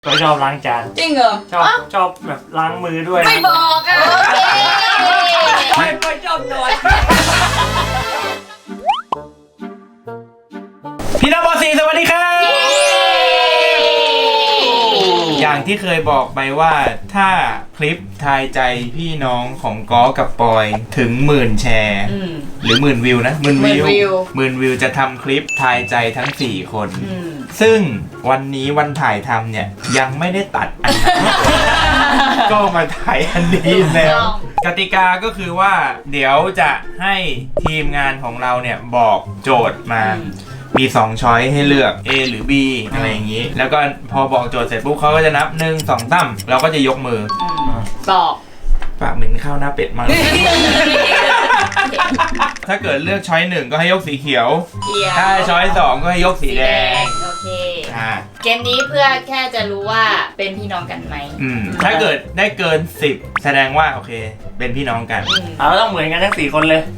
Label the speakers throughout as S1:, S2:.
S1: ก็ชอบล้างจาน
S2: จริงเหรอ
S1: ชอบแบบล้างมือด้วย
S2: ไม่บอกอ่ะไม่ชอบนอน
S3: พี่น้องบอสีสวัสดีครับอย่างที่เคยบอกไปว่าถ้าคลิปทายใจพี่น้องของก้อกับปอยถึง10,000 แชร์หรือ10,000 วิวนะ10,000 วิวจะทำคลิปทายใจทั้ง4 คนซึ่งวันนี้วันถ่ายทำเนี่ยยังไม่ได้ตัดอันนั้น ก็มาถ่ายอันนี้แล้วกติกาก็คือว่าเดี๋ยวจะให้ทีมงานของเราเนี่ยบอกโจทย์มามี2 ช้อยให้เลือก A หรือ B อะไรอย่างนี้แล้วก็พอบอกโจทย์เสร็จปุ๊บเขาก็จะนับ1 2 3เราก็จะยกมือ
S2: บอก
S3: ปากเหม็นข้าวหน้าเป็ดมาก ถ้าเกิดเลือกช้อย1ก็ให้ยกสีเขียวถ้าช้อย2ก็ให้ยกสีแดง
S2: โอเคเกมนี้เพื่อแค่จะรู้ว่าเป็นพี่น้องกันไหม
S3: ถ้าเกิดได้เกิน10แสดงว่าโอเคเป็นพี่น้องกัน
S1: เราต้องเหมือนกันทั้ง4 คนเลย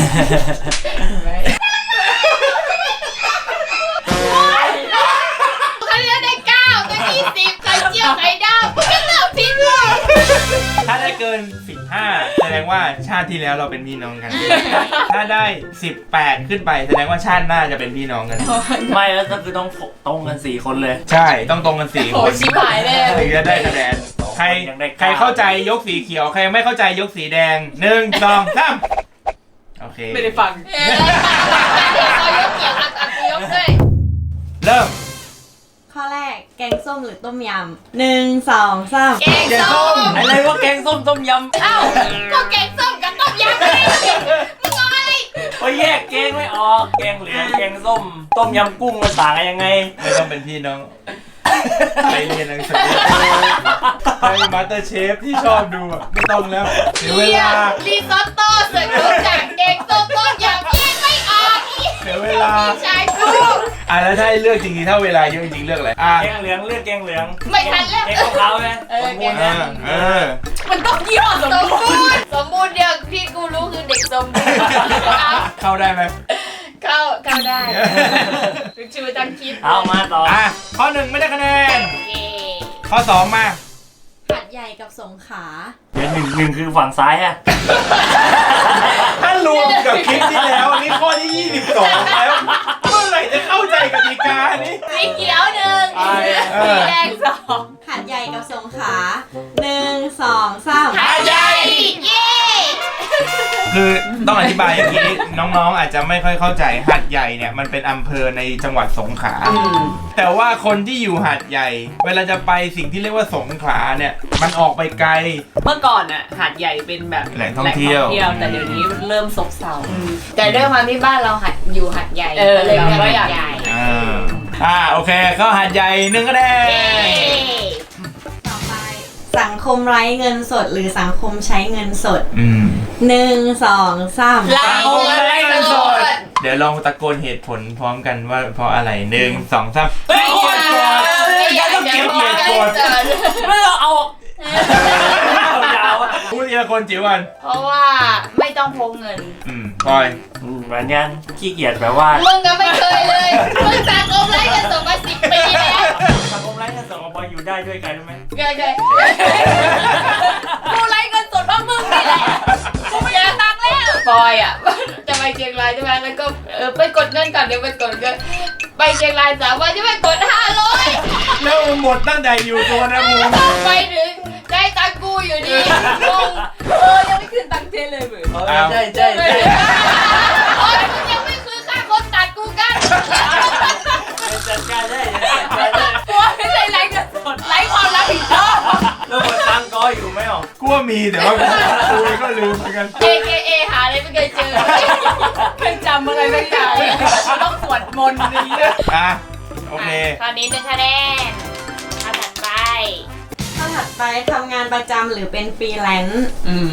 S2: ไข่เจียวไข่ดาวไม่เลือกผิดเลย
S3: ถ้าได้เกิน15แสดงว่าชาติที่แล้วเราเป็นพี่น้องกัน ถ้าได้18ขึ้นไปแสดงว่าชาติหน้าจะเป็นพี่น้องกัน
S1: ไม่แล้วก็คือต้องตรงกัน4 คนเลย
S3: ใช่ต้องตรงกัน4 คน
S2: ชิบหายเลย
S3: ถึงจะได้คะแนนใครเข้าใจยกสีเขียวใครไม่เข้าใจยกสีแดง1 2 3โอเค
S2: ไม่ได้ฟังเรายกเกี่ยวอัดยกด้วย
S3: เริ่ม
S4: ข้อแรกแกงส้มหรือต้มยำ1 2 3
S2: แกงส้ม
S1: อะไรวะแกงส้มต้มยำ
S2: เอ้าก็แกงส้มกับต้มยำเลยมึงเอาอะไร
S1: ก็แยกแกงไม่ออกแกงเหลืองแกงส้มต้มยำกุ้งมันต่างกันยังไง
S3: ไม่ต้องเป็นพี่น้องไปเรียนหนังสือไปมาสเตอร์เชฟที่ชอบดูไม่ต้องแล้วเสียเวลา
S2: รีซอตโต้เสร็จรู้จักแกงส้มต้มยำแยกไม่ออก
S3: เสียเวลา
S2: ชายกู
S3: แล้วถ้าเลือกจริงๆถ้าเวลาเยอะจริงๆเลือกอะไร
S1: แกงเหลืองเลือกแกงเหลือง
S2: ไม่ทันแล้ว
S1: แกงของเขาไหมสมบูรณ์นะ
S2: มันต้องยี่ห้อสมบูรณ์เดียวที่กูรู้คือเด็กสมบูรณ์
S3: เข้าได้ไหม
S2: เข้าได้ชื่อตั้งคิด
S1: เอามาต่อ
S3: ข้อ1ไม่ได้คะแนนข้อ2มา
S4: หาดใหญ่กับสงขลา
S1: เป็นหนึ่งคือฝั่งซ้ายฮะ
S3: ถ้ารวมกับคลิปที่แล้วอันนี้ข้อที่22แล้วเมื่อไหร่จะเข้าใจกติกานี้
S2: สีเขียว1สีแดง2
S4: หาดใหญ่กับสงขลา1 2 3
S2: หาดใหญ่เย้
S3: คือต้องอธิบายอย่างนี้น้องๆอาจจะไม่ค่อยเข้าใจหาดใหญ่เนี่ยมันเป็นอำเภอในจังหวัดสงขลาแต่ว่าคนที่อยู่หาดใหญ่เวลาจะไปสิ่งที่เรียกว่าสงขลาเนี่ยมันออกไปไกล
S5: เมื่อก่อนอ่ะหาดใหญ่เป็นแบบ
S3: แหล่งท่องเที่ยว
S5: แต่เดี๋ยวนี้เริ่มซบเซา
S2: แต่ด้วยความที่บ้านเราอยู่หาดใหญ่เลยก็อยากใหญ่
S3: โอเคก็หาดใหญ่1 คะแนน
S4: ต่อไปสังคมไร้เงินสดหรือสังคมใช้เงินสด1 2 3
S2: สังคมไร้เงินสด
S3: เดี๋ยวลองตะโกนเหตุผลพร้อมกันว่าเพราะอะไร1 2 3
S1: ไม่เกียรติกด
S3: ต้องเกียรติกด
S1: ไม่ต้องเอายาว
S3: พูดทีละคนจิ๋วกัน
S2: เพราะว่าไม่ต้องพกเงิน
S3: ปอย
S1: เหมือนกันขี้เกียจแบบว่า
S2: มึงก็ไม่เคยเลยมึงสังคมไร้เงินสดมา10 ปีแล้ว
S1: สังคมไร้เงินสดของปอยอยู่ได้ด้วยกันไหม
S2: เคยกูไร้เงินสดเพราะมึงนี่แหละกูไม่อยากตังค์แล้วปอยอ่ะจะไปเชียงรายใช่ไหมแล้วก็ไปกดเงินก่อนเดี๋ยวไปกดเงินไปเชียงราย3 วันจะไปกด500
S3: แล้วหมดตั้งแต่อยู่ตัวนะมึง
S2: ไปถึงได้ตังกูอยู่ดีงง
S5: ยังไม่คืนตังเจเลยเหมือน
S1: ใช่
S2: โอ้ยมึงยังไม่คืนค่าคนตัดกูกัน
S1: จัดการได้
S2: กลัวไม่ใช่ไร้เงินสดไร้ความรับผิดชอบ
S1: แล้วหมดตังก็อยู่ไหมอ๋
S3: อกลัวมีแต่ว่ากูก็ลืมเหมือนกัน
S2: AKA หาอะไรไม่เคยเจอ
S5: เคยจำอะไรไม่ได้ต้องสวดมนต์นี้
S3: โอเค
S2: ตอนนี้1 คะแนนข้อถัดไป
S4: ทำงานประจำหรือเป็นฟรีแลนซ์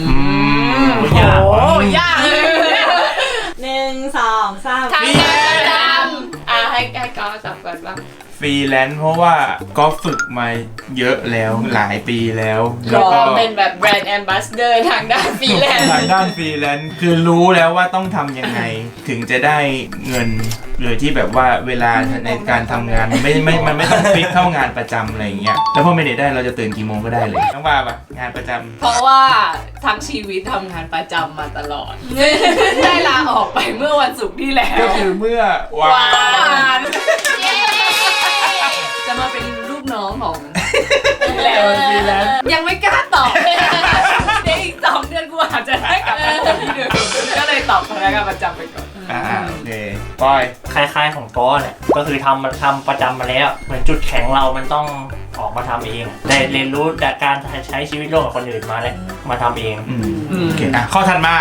S2: ยากเลย
S4: 1 2 3
S2: ทำงานประจำให้กอสับก่อนว่า
S3: ฟฟรีแลนซ์เพราะว่าก็ฝึกมาเยอะแล้วหลายปีแล้ว
S2: ร
S3: แล้ว
S2: อ
S3: ก็
S2: เป็นแบบแบรนด์แอมบาสเดอร์ทางด้านฟรีแลนซ์
S3: ทางด้านฟรีแลนซ์คือรู้แล้วว่าต้องทำยังไงถึงจะได้เงินโดยที่แบบว่าเวลาในการทำงานมันไม่ต้องฟิกเท่างานประจำอะไรอย่างเงี้ยแล้วพอไม่ได้เราจะตื่นกี่โมงก็ได้เลยต้องว่าปะงานประจำ
S5: เพราะว่าทั้งชีวิตทำงานประจำมาตลอด ได้ลาออกไปเมื่อวันศุกร์ที่แล้ว
S3: ก็คือเมื่อวาน
S2: เย้
S5: จะมาเป็นลูกน้องของ
S3: แล้วฟรีแลนซ์
S5: ยังไม่กล้าตอบ เดี๋ยวอีก2 เดือนกูอาจจะได้กลับมาที่เดิมก็เลยตอบพนักงานประจำไปก่อน
S3: โอเคปอย
S1: คล้ายๆของก้อนเนี่ยก็คือทำประจำมาแล้วเหมือนจุดแข็งเรามันต้องออกมาทำเองได้เรียนรู้จากการใช้ชีวิตร่วมกับคนอื่นมาแล้วมาทำเอง
S3: โอเคข้อถัดมา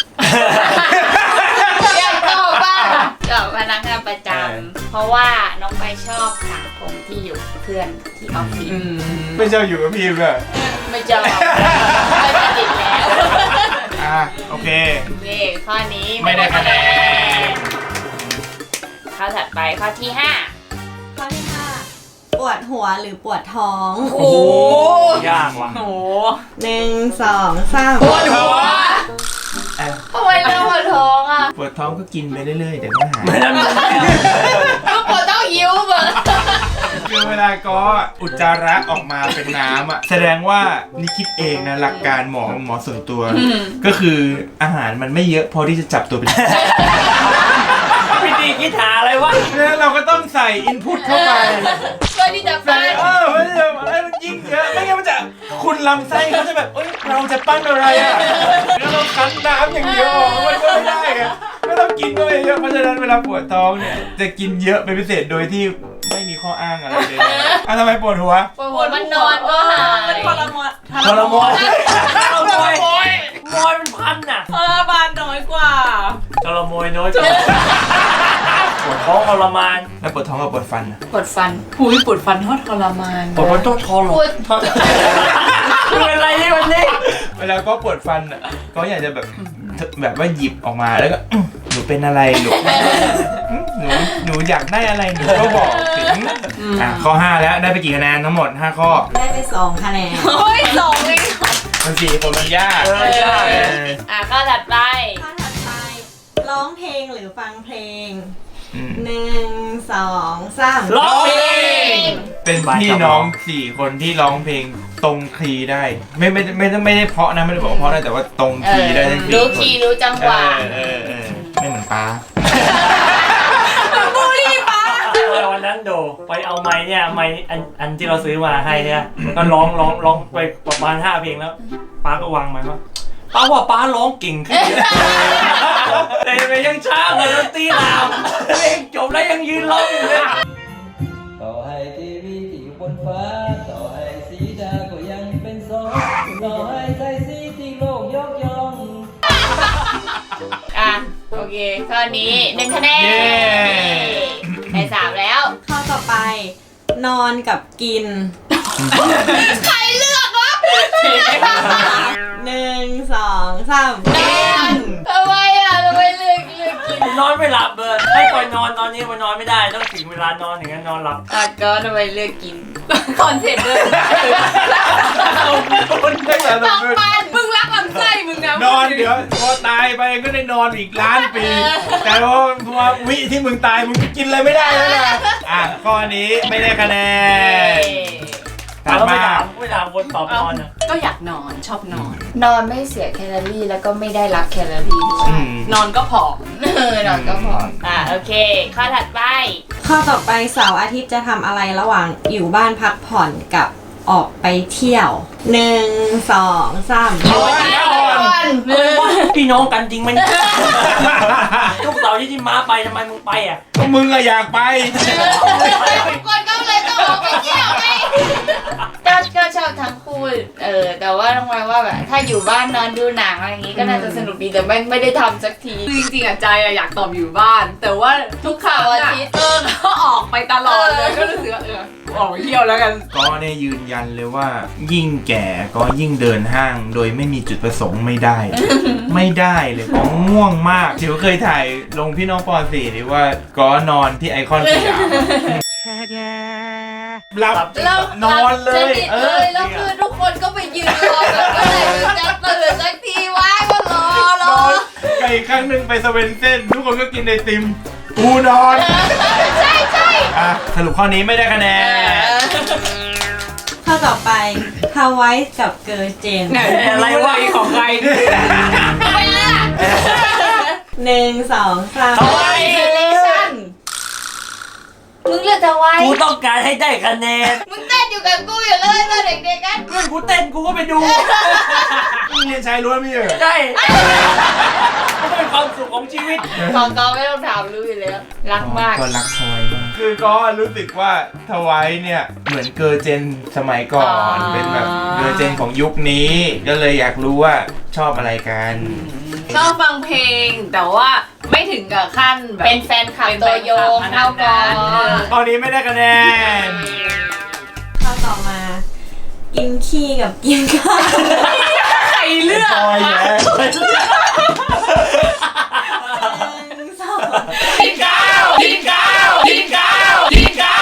S2: อยากตอบบ้างกับพนักงานประจำเพราะว่าน้องไปชอบสังคมที่อยู่กับเพื่อนที่ออฟฟิศ
S3: ไม่เจ้าอยู่กับพี่เลย
S2: ไม่ชอบไม่สนิทแล้ว
S3: โอเค
S2: นี่ข้อนี้
S3: ไม่ได้คะแนน
S2: ข้อถัดไปข้อที่
S4: ข้อที่ 5 ปวดหัวหรือปวดท้อง
S5: โอ้โห
S1: ยากว่ะ
S5: โอ้โห
S4: 1 2 3
S2: 5ปวดหัวทำไมเรื่องปวดท้องอ่ะ
S3: ปวดท้องก็กินไปเรื่อยๆเดี๋ยวก็หาย
S1: ไม่ได้
S2: ก็ปวดต้องหิวเบอร์
S3: คือเวลาก็อุจจาระออกมาเป็นน้ำอ่ะแสดงว่านี่คิดเองนะหลักการหมอส่วนตัว ก็คืออาหารมันไม่เยอะพอที่จะจับตัวเป็น
S1: พี่ตีคิดหาอะไรวะ
S3: แล้วเราก็ต้องใส่อินพุตเข้าไป
S2: เพื่อที่จะฟัน
S3: มันจะอะไรมันยิ่งเยอะไม่งั้นมันจะคุณลำไส้เขาจะแบบเอ้ยเราจะปั้นอะไรอ่ะแล้วเราคั้นน้ำอย่างเดียวมันก็ไม่ได้ไงก็ต้องกินก็ไปเยอะเพราะฉะนั้นเวลาปวดท้องเนี่ยจะกินเยอะเป็นพิเศษโดยที่ไม่มีข้ออ้างอะไรเลยทำไมปวดหัว
S2: ปวดหัวมันนอนก็หาย
S5: ทรมาน
S1: ทรมานทรมานมอยเป็นพันน่ะ
S5: ทรมานน้อยกว่า
S1: ทรมานน้อยจังปวดท้องทรมาน
S3: แล้วปวดท้องกับปวดฟันอ่ะ
S2: ปวดฟัน
S5: หูยปวดฟันทรมาน
S1: ปวดมันต้องทร
S2: ปวด
S1: เป็นอะไรนี่วันนี้
S3: เวลาก็ปวดฟันอ่ะก็อยากจะแบบว่าหยิบออกมาแล้วก็หนูเป็นอะไรหนูหนูอยากได้อะไรหนูก็บอกถึงข้อ 5 แล้วได้ไปกี่คะแนนทั้งหมด 5 ข้อ
S4: ได้ไป 2 คะแนน
S2: โอ้ย2เลย
S3: มัน4 คนมันยาก
S1: ใช่
S2: ข้อถัดไป
S4: ข้อถัดไป ร้องเพลงหรือฟังเพลง
S3: อืม
S4: 1 2 3
S1: ร้องเพลง
S3: เป็นพี่น้อง 4 คนที่ร้องเพลงตรงคีย์ได้ ไม่ได้เพราะนะไม่ได้บอกว่าเพราะนะแต่ว่าตรงคีย์ได้ทั้ง
S2: รู้คีย์รู้จังหวะ
S3: ไม่เหมือนป้า
S1: วันนั้นโดไปเอาไม้เนี่ยไม้อันที่เราซื้อมาให้เนี่ยก็ร้องไปประมาณ5 เพลงแล้วป้าก็วางไม้ว่าป้าว่าป้าร้องเก่งขึ้นแต่ยังช้ากว่าดนตรีลาวเพลงจบแล้วยังยืนร้องอยู่เลย
S6: ต่อให้ทีวีที่บนฟ้า ต่อให้สีดาก็ยังเป็นสองต่อให้ใจสีที่โลกยกย่อง
S2: โอเคข้อนี้1 คะแนนได้ 3 แล้ว
S4: ข้อต่อไป นอนกับกิน
S2: ใครเลือกวะ
S4: 1 2 3
S2: นอนทำไมทำไมเลือกกิน
S1: นอนไม่หลับเลยให้ปล่อยนอนตอนนี้มันนอนไม่ได้ต้องถึงเวลานอนถึงจะนอนหลับ
S2: ก็ทำไมเลือกกิน
S5: คอนเซ็ปต์เลยปันมึงรักลำไส้มึงนะ
S3: นอนเดี๋ยวพอตายไปก็ได้นอนอีกล้านปี แต่ว่าวิที่มึงตายมึงกินอะไรไม่ได้แล้วนะข้อนี้ไม่ได้คะแนน
S1: แต่เราไม่ถามคนตอบนอนอ่ะ
S5: ก็อยากนอนชอบนอน
S2: นอนไม่เสียแคลอรี่แล้วก็ไม่ได้รับแคลอรี่ด้วย
S5: นอนก็ผอม
S2: นอนก็พอโอเค ข้อถัดไป
S4: ข้อต่อไปเสาร์อาทิตย์จะทำอะไรระหว่างอยู่บ้านพักผ่อนกับออกไปเที่ยว 1 2 3
S1: พี่น้องกันจริงไหมลูกสาวที่ม้าไปทำไมมึงไปอ่ะ
S3: ก็มึงอะอยากไป
S2: คนก็เลยต้องออกไปเที่ยวไงก็ชอบทั้งคู่แต่ว่าต้องมาว่าแบบถ้าอยู่บ้านนอนดูหนังอะไรอย่างงี้ก็น่าจะสนุกดีแต่ไม่ได้ทำสักที
S5: คือจริงๆอะใจอะอยากตอบอยู่บ้าน แต่ว่าทุกครั้ง
S2: เสาร์อา
S5: อะ
S2: ทิตย์
S5: ก็ออกไปตลอดเลยก็รู้สึกว่าออกไปเที่ยวแล้วกัน
S3: ก็เนี่ยยืนยันเลยว่ายิ่งแก่ก็ยิ่งเดินห้างโดยไม่มีจุดประสงค์ไม่ได้ ไม่ได้เลยก็ง่วงมากเดี๋ยวเคยถ่ายลงพี่น้องป .4 หรือว่าก็นอนที่ไอคอนสยามหลับ
S2: แล้ว
S3: นอนเล
S2: ส
S3: ย
S2: นิทเลยแล้วคือทุกคนก็ไปยืนรอแบบเมื่อไหร่มันจะตื่นสักทีวะก็รอน
S3: อนไปอีกครั้งหนึ่งไปสเวนเซ่นทุกคนก็กินไอติมกูนอน
S2: ใช่ใช่
S3: อ่ะสรุปข้อนี้ไม่ได้คะแนน
S4: ข้อต่อไปฮาวายกับเกอร์เจน
S5: อะไรวะของใคร
S2: ไม่เลือก
S4: 1 2 3
S1: ทำไม
S2: เซเลชั่นมึงเลือกทำไม
S1: กูต้องการให้ได้คะแนน
S2: มึงเต้นอยู่กับกูอยู่เลยตอนเด็กๆกัน
S1: เพื่อนกูเต้นกูก็ไปดู
S3: เรียนชายล้วนไม่เหรอ
S1: ใช่มันเป็นความสุขของชีวิต
S2: ของเขาไม่ต้องถามรู้อยู่แล้วรักมาก
S3: ก็รักทวายมากคือก็รู้สึกว่าทวายเนี่ยเหมือนเกอร์เจนสมัยก่อน เป็นแบบเกอร์เจนของยุคนี้ ก็เลยอยากรู้ว่าชอบอะไรกัน
S5: ชอบฟังเพลง แต่ว่าไม่ถึงกับขั้นแบบ
S2: เป็นแฟนคลับตัวยงเท่าก่อน
S3: ตอนนี้ไม่ได้คะแนน
S4: ข้อต่อมา กินขี้กับกินข้าว
S5: ใครเลือก
S3: ปอยแย่
S4: 1 2
S5: กินข้าวกินข้าวกินข้าวกินข้าว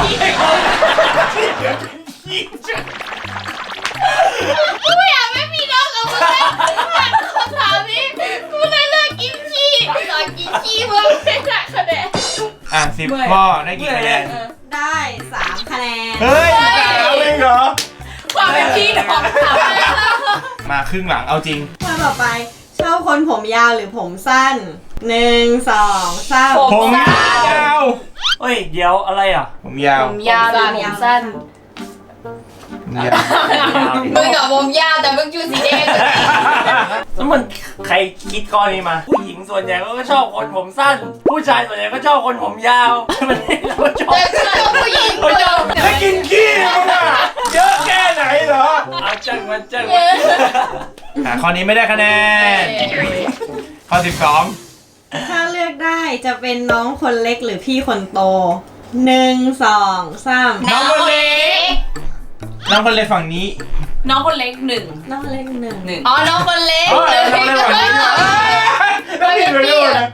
S2: กูไม่อยากไม่มีน้องกับมึงเลยคำถามนี้กูเลยเลือกกินขี้ตอนกินขี้มึงไม่ได้คะแนน
S3: อ่ะ10 ข้อได้กี่คะแนน
S4: ได้ 3 คะแนน
S3: เฮ้ย3เองเหรอ
S5: ความเป็นพี่น้องถาม
S3: มาครึ่งหลังเอาจริง
S4: ข้อต่อไปชอบคนผมยาวหรือผมสั้น 1 2 3
S3: ผมยาว
S1: เฮ้ย เดี๋ยวอะไรอ่ะ
S3: ผมยาว
S2: ผมยาวหรือผมสั้น
S3: ผมยาว
S2: มึงกับผมยาวแต่มึงชูสีแดง
S1: แล้วมันใครคิดข้อนี้มา ผู้หญิงส่วนใหญ่ก็ชอบคนผมสั้น ผู้ชายส่วนใหญ่ก็ชอบคนผมยาวมันเราก็ชอบ
S2: แต่กูชอบผู้หญิง
S1: เขาชอบ
S3: ถ้ากินขี้มึงอะเยอะแค่ไหนเหรอ
S1: เอาจังมันจัง
S3: ข้อนี้ไม่ได้คะแนน ข้อ
S4: ถ้าเลือกได้จะเป็นน้องคนเล็กหรือพี่คนโต 1 2 3
S3: น้องคนเล็ก 12 น้องคนเล็กฝั่งนี้
S5: น้องคนเล็กหนึ่ง
S4: น้องคนเล็ก1
S5: หนึ่ง
S2: อ๋อน้องคนเล็ก
S3: น้องคนเล็กฝั่งนี้ต้องผิดไปด้วยนะ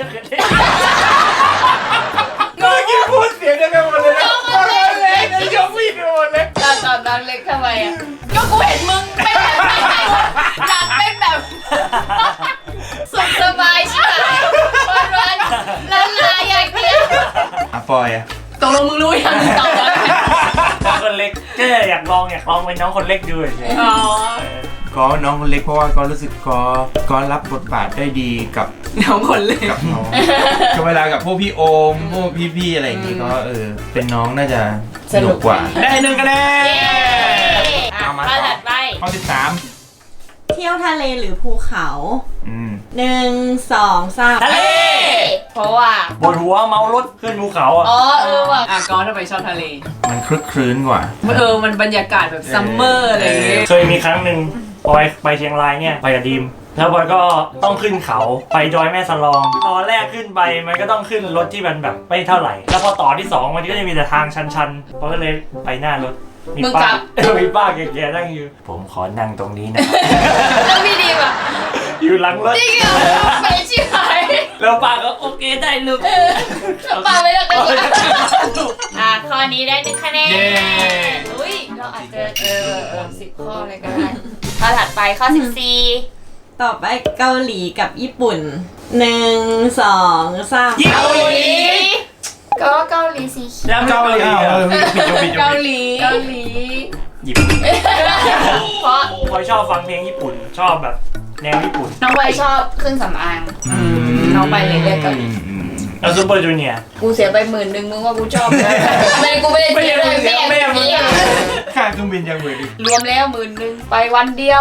S3: เมื่อกี้พูดเสียงเดียวกันหมดเลยนะน้องคนเล็กนี่ยกผิดไปหมดเลย
S2: ตอนน้องเล็กทำไมอ่ะ
S5: ก็กูเห็นมึงเป็นแบบอยากเป็นแบบ
S2: สุขสบายใช่ไหมวันละลาอย่างเดียว
S3: อ่ะปอยอ่ะ
S5: ตกลงมึงรู้ยังตอบแล้ว
S1: น้องคนเล็กก็อยากลองเป็นน้องคนเล็กดูเฉย
S5: อ๋อ
S3: ก็น้องคนเล็กเพราะว่าก็รู้สึกก็รับบทบาทได้ดีกับ
S5: น้องคนเล็ก
S3: กับน้องก็เวลากับพวกพี่โอมพวกพี่ๆอะไรอย่างงี้ก็เป็นน้องน่าจะสนุกกว่า ได้1 คะแนน เอามา
S2: ข้อถัดไป
S3: ข้อ
S4: เที่ยวทะเลหรือภูเขา
S3: 13
S4: 1 2 3
S1: ทะเล
S2: เพราะว่า
S1: ปวดหัวเมารถขึ้นภูเขาอ่ะ
S2: อ๋อว่ะ
S5: ก็ทำไมชอบทะเล
S3: มันคลึกคลื้นกว่า
S5: มันบรรยากาศแบบซัมเมอร์อะไรอย่างเงี้ย
S1: เคยมีครั้งหนึ่งปอยไปเชียงรายเนี่ยไปกับดีมแล้วปอยก็ต้องขึ้นเขาไปดอยแม่สลองตอนแรกขึ้นไปมันก็ต้องขึ้นรถที่มันแบบไม่เท่าไหร่ แล้วพอต่อที่ 2มันก็จะมีแต่ทางชันๆปอยก็เลยไปหน้ารถมีป้ามีป้าแก่ๆนั่งอยู่ ผมขอนั่งตรงนี้นะ
S2: แล้วพี่ดีป่ะ
S1: อยู่หลังรถ
S2: จริงเหรอไปชิบหาย
S1: แล้วป้าก็โอเคได้ลูก
S2: ปาไม่ได้กันข้อนี้ได้1 คะแนน
S3: เย้
S2: อุ้ยเราอาจจะ10 ข้อเลยก็ได้ข้อถัดไปข้อ 14
S4: ต่อไปเกาหลีกับญี่ปุ่น 1 2 3
S2: เกาหลีก็เกาหลีสีเขียว
S1: แล้วเกาหลี
S3: ผิด
S5: เกาหลี
S2: เกาหลี
S1: หยิบ
S2: เพราะ
S1: ปอยชอบฟังเพลงญี่ปุ่นชอบแบบแนวญี่ปุ่น
S2: น้องไวชอบเครื่องสำอาง น้องไปเลยเลือกเกาหลี
S1: แล้วซูเปอร์จูเนียร์
S2: กูเสียไป10,000มึงว่ากูชอบไหมไม่กูไม่ได้เสียเลยแม่เสีย
S3: ค่าเครื่องบินยังเหมือนอีก
S2: รวมแล้ว10,000ไปวันเดียว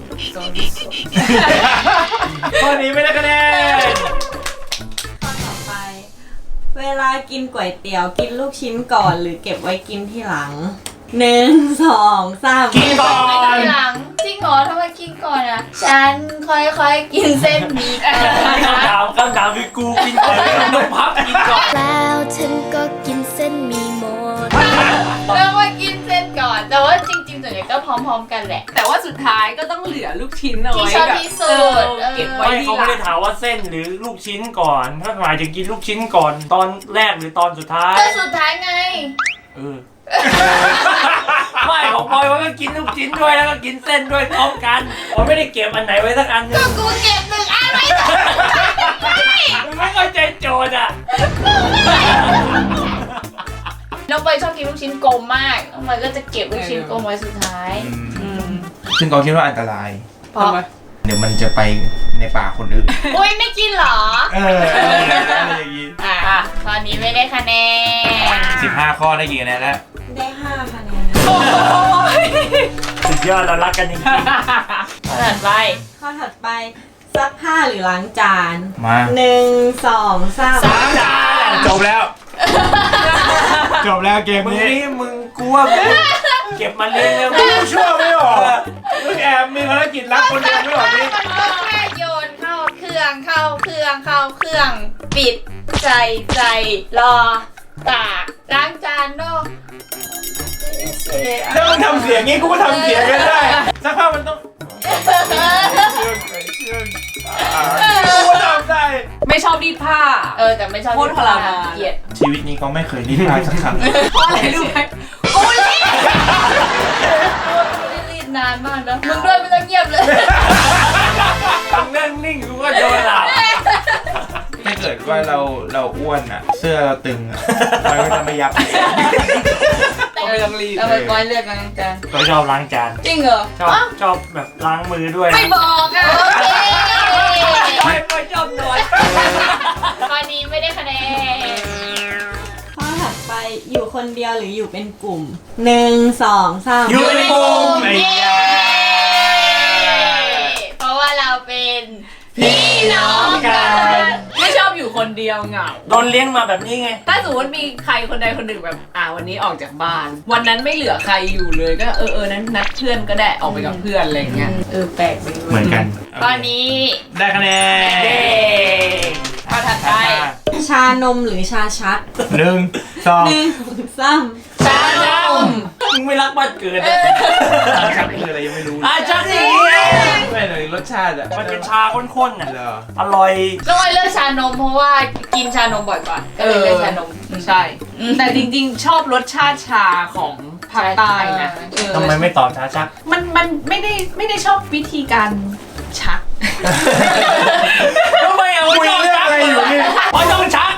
S3: ข้อนี้ไม่ได้คะแนน
S4: ข้อต่อไป เวลากินก๋วยเตี๋ยวกินลูกชิ้นก่อนหรือเก็บไว้กินที่หลัง 1 2 3
S1: กินก่อ
S2: ไป
S1: น
S2: ทีหลังจริงเหรอทำไมกินก่อนอ่ะฉันค่อยๆกินเส้นหมี่ก่อน
S1: คำถามคือกูกินก่อนต้องพักกินก่อน
S7: แล้วฉันก็กินเส้นหมีหมด
S2: แล้วว่ากินเส้นก่อนแต่ว่าจริงๆส่วนใหญ่ก็พร้อมๆกันแหละ
S5: แต่ว่าสุดท้ายก็ต้องเหลือลูกชิ้นเอา
S2: ที่
S5: ไว้
S2: ชอบ
S5: แบบ
S2: ที่สุด
S5: เก็บไว้
S1: ไม่
S5: ที่
S1: เขา
S5: หลั
S1: ไม่ได้
S5: ง
S1: ถามว่าเส้นหรือลูกชิ้นก่อนถ้าหมายถึงกินลูกชิ้นก่อนตอนแรกหรือตอนสุดท้าย
S2: ก็สุดท้ายไง
S1: เออ ไม่ของพลอยว่าก็กินลูกชิ้นด้วยแล้วก็กินเส้นด้วยพร้อมกันผมไม่ได้เก็บอันไหนไว้สักอันหนึ
S2: ก็
S1: ง
S2: กูเก็บหนึ่งอันไว้
S1: มึงไม่เข้าใจโจทย์อ่ะ
S2: น้องเปยชอบกินลูกชิ้นกลมมากน้องเปยก็จะเก็บลูกชิ้นกลมไว้สุดท้าย
S3: ซึ่งก็คิดว่าอันตราย
S2: เพราะ
S3: เดี๋ยวมันจะไปในป่าคนอื่น
S2: อุ้ยไม่กินเหรอ
S3: อะไรอย่างงี้
S2: อ่ะตอนนี้ไม่ได้คะแนน
S3: 15 ข้อได้กี่คะแนนแล้ว
S4: ได้5คะแนน
S1: สุดยอดเรารักกันจริง
S2: ถัดไป
S4: ข้อถัดไปซักผ้าหรือล้างจาน
S3: มา
S4: 1 2 3
S1: ๆจาน
S3: จบแล้ว จบแล้วเกม
S1: มึง
S3: นี้
S1: นี่มึงกลัวมึงเก็บมันเองเลยมึ
S3: มึ
S1: ง
S3: งชั่วไม่ออกมึงแอบมีภารกิจรักคนเดียวไม่ออกนี่
S2: มันก็แค่โยนเข้าเครื่องเข้าเครื่องเข้าเครื่อง ปิดใส่รอตากล้างจานเนาะ
S3: แล้วมึงทำเสียงงี้กูก็ทำเสียงกันได้สักพักมันต้องกูก็ทำได้
S5: ไม่ชอบรีดผ้า
S2: แต่ไม่ชอบ
S5: โคตรทรมาน
S2: เกลียด
S3: ชีวิตนี้ก็ไม่เคยรีดผ้าสักครั้ง
S5: เพราะอะไรรู้ไหม
S2: กูรีดนานมากนะมึงด้วยไม่ต้องเงียบเลย
S1: มึงนั่งนิ่งกูก็โดนหลับ
S3: ถ้าเกิดว่าเราอ้วนอ่ะ เสื้อเราตึงอ่ะมันก็จะไม่ยับ
S5: ไม่ต้องรีด
S2: เอาไปก้อยเลือกล้างจาน
S1: ก็ชอบล้างจาน
S2: จริงเหรอ
S1: ชอบแบบล้างมือด้วย
S2: ไม่บอกอ่ะโอเค
S1: ไม่ชอบนวด
S2: ตอนนี้ไม่ได้คะแนน
S4: ข้อถัดไปอยู่คนเดียวหรืออยู่เป็นกลุ่ม 1 2 3
S1: อยู่ในกลุ่มไอ้
S2: เย้
S1: ยา
S2: เพราะว่าเราเป็นพี่น้องกัน
S5: ไม่ชอบอยู่คนเดียวเหงา
S1: โดนเลี้ยงมาแบบนี้ไง
S5: ถ้าสมมติมีใครคนใดคนหนึ่งแบบวันนี้ออกจากบ้าน วันนั้นไม่เหลือใครอยู่เลยก็นั้นนัดเพื่อนก็ได้ออกไปกับเพื่อนอะไรอย่างเงี้ย
S2: แปลกดี
S3: เหมือนกัน
S2: ตอนนี้
S3: ได้คะแนน
S2: เย้ข้อถัดไป
S4: ชานมหรือชาชัก
S3: 1 2
S4: 1 3
S2: ชานม
S1: มึงไม่รักบ้านเกิดนะ
S3: ชักคืออะไรยังไม่รู้
S1: ชักนี่
S3: ไม่เลยรสชาติอ่ะ
S1: มันเป็นชาข้นๆน่ะ
S3: เหรอ
S1: อร่อย
S2: น้องไอเลือกชานมเพราะว่ากินชานมบ่อยกว่าก็เลยเลือกชานม
S5: ใช่ แต่จริงๆชอบรสชาติชาของภาคใต้นะเออ
S1: ทำไมไม่ตอบชาชัก
S5: มันไม่ได้ชอบวิธีการชัก
S1: ทำไมเอา
S3: คุยเรื่องอะไรอยู่นี่
S1: เพราะต้องชัก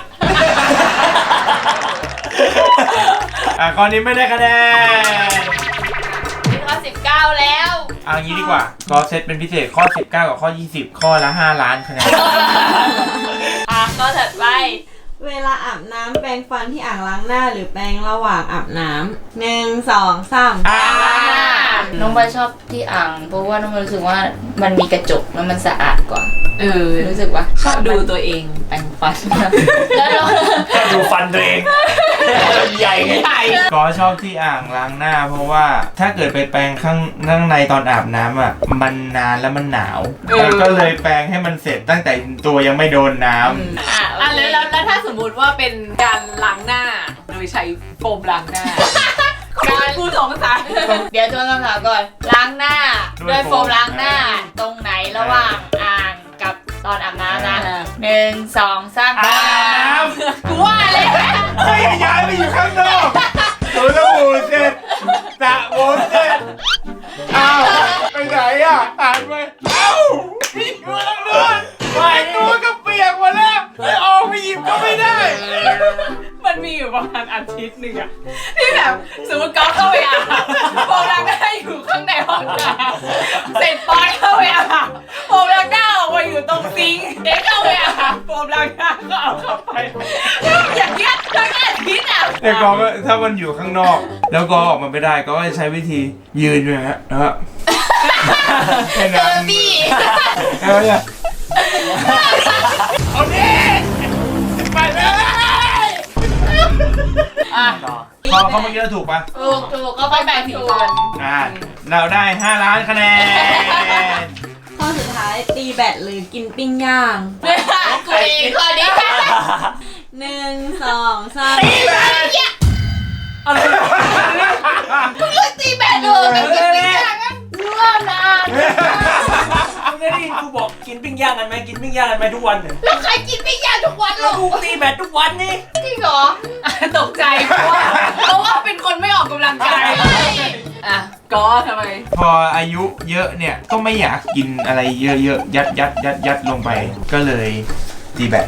S3: ข้อนี้ไม่ได้คะแนน
S2: ข้อ19แล้ว
S3: เอางี้ดีกว่า ก็เซตเป็นพิเศษข้อ 19 กับข้อ 20 ข้อละ 5 ล้านคะแนน
S2: ข้อถัดไป
S4: เวลาอาบน้ำแปรงฟันที่อ่างล้างหน้าหรือแปรงระหว่างอาบน้ำ1 2 3
S2: น้องใบชอบที่อ่างเพราะว่าน้องใบรู้สึกว่ามันมีกระจกแล้วมันสะอาดกว่า รู้สึกว่า
S5: ชอบดูตัวเองแปรงฟัน
S2: แล้วเรา
S1: ก็ดูฟันตัวเองใหญ่ไง
S3: ก็ชอบที่อ่างล้างหน้า เพราะว่าถ้าเกิดไปแปรงข้างในตอนอาบน้ำอ่ะ มันนานแล้วมันหนาวแล้วก็เลยแปรงให้มันเสร็จตั้งแต่ตัวยังไม่โดนน้ำ
S5: แล้วถ้าสมมุติว่าเป็นการล้างหน้าโดยใช้โฟมล้างหน้ากูสงสัย
S2: เดี๋ยวทวนคำถามก่อน ล้างหน้าด้วยโฟมล้างหน้า ตรงไหนระหว่างอ่างกับตอนอาบน้ำนะ1 2 3
S3: อาบน้ำ
S2: กูว่าเลย
S3: เฮ้ยย้ายไปอยู่ข้างนอกตัวละหูเสร็จสระผมเสร็จอ้าวไปไหนอ่ะอ่านไปเอ้าพี่อยู่ข้างนอกไปตัวก็เปียกหมดแล้วไปออกไปหยิบก็ไม่ได้
S5: มันมีอยู่ประมาณอาทิตย์หนึ่งอะที่แบบสมมติก๊อฟเข้าไปอาบโฟมล้างหน้าอยู่ข้างในห้องน้ำเสร็จปอยเข้าไปอาบโฟมล้างหน้าออกมาอยู่ตรงซิงค์เด็กเข้าไปอาบโฟมล้างหน้าก็เอาเข้าไปอย่างเงี้ยทั้งอาทิตย์อะ
S3: แต่ก็ถ้ามันอยู่ข้างนอก แล้วก็ออกมาไม่ได้ก็จะใช้วิธียืนอยู่นะฮะแล้วก็แค่
S2: เจ
S3: นั้
S2: อน บี้
S3: เอาเนี่ยเอาดิไปเลย
S1: ต่อ
S3: เขาเมื่อกี้เราถูกปะ
S2: ถูกก็ไปแบ่งส่วน
S3: เราได้ 5 ล้านคะแนน
S4: ข้อสุดท้ายตีแบตหรือกินปิ้งย่าง
S2: กูเองข้อนี้
S4: 1 2 3
S1: อะไร
S2: ตีแบตเลย
S1: กินปิ้งย่างกันไหมกินปิ้งย่างกันไหมทุกวันเนี่ย
S2: แล้วใครกินปิ้งย่างทุกวันหรอ
S1: กูตีแบดทุกวันนี่
S2: จริงเหรอ
S5: ตกใจเพราะว่าเป็นคนไม่ออกกำลังกายอ่ะก็ทำไม
S3: พออายุเยอะเนี่ยก็ไม่อยากกินอะไรเยอะๆยัดลงไป ก็เลยตีแบด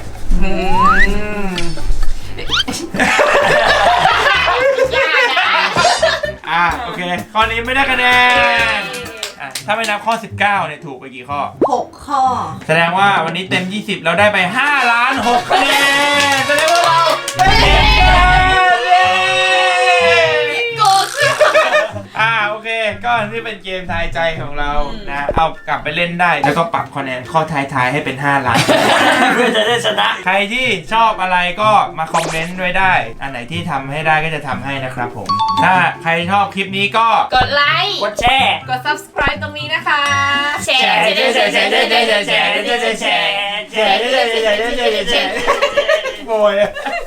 S3: โอเค ข้อนี้ไม่ได้คะแนนถ้าไม่นับข้อ 19เนี่ยถูกไปกี่ข้อ
S4: 6 ข้อ
S3: แสดงว่าวันนี้เต็ม 20 เราได้ไป5ล้าน6คะแนนแสดงว่าเราได้เย้
S2: โกรธ
S3: โอเค ก็นี่เป็นเกมทายใจของเรานะ เอากลับไปเล่นได้ แล้วก็ปรับคะแนนข้อท้ายๆให้เป็น5ล้าน
S1: เพื่อจะได้ชนะ
S3: ใครที่ชอบอะไรก็มาคอมเมนต์ด้วยได้ อันไหนที่ทำให้ได้ก็จะทำให้นะครับผม ถ้าใครชอบคลิปนี้ก็
S2: กดไลค์
S1: กดแชร์
S5: กด subscribe ตรงนี้นะคะ
S2: แชร์
S3: โอ้ย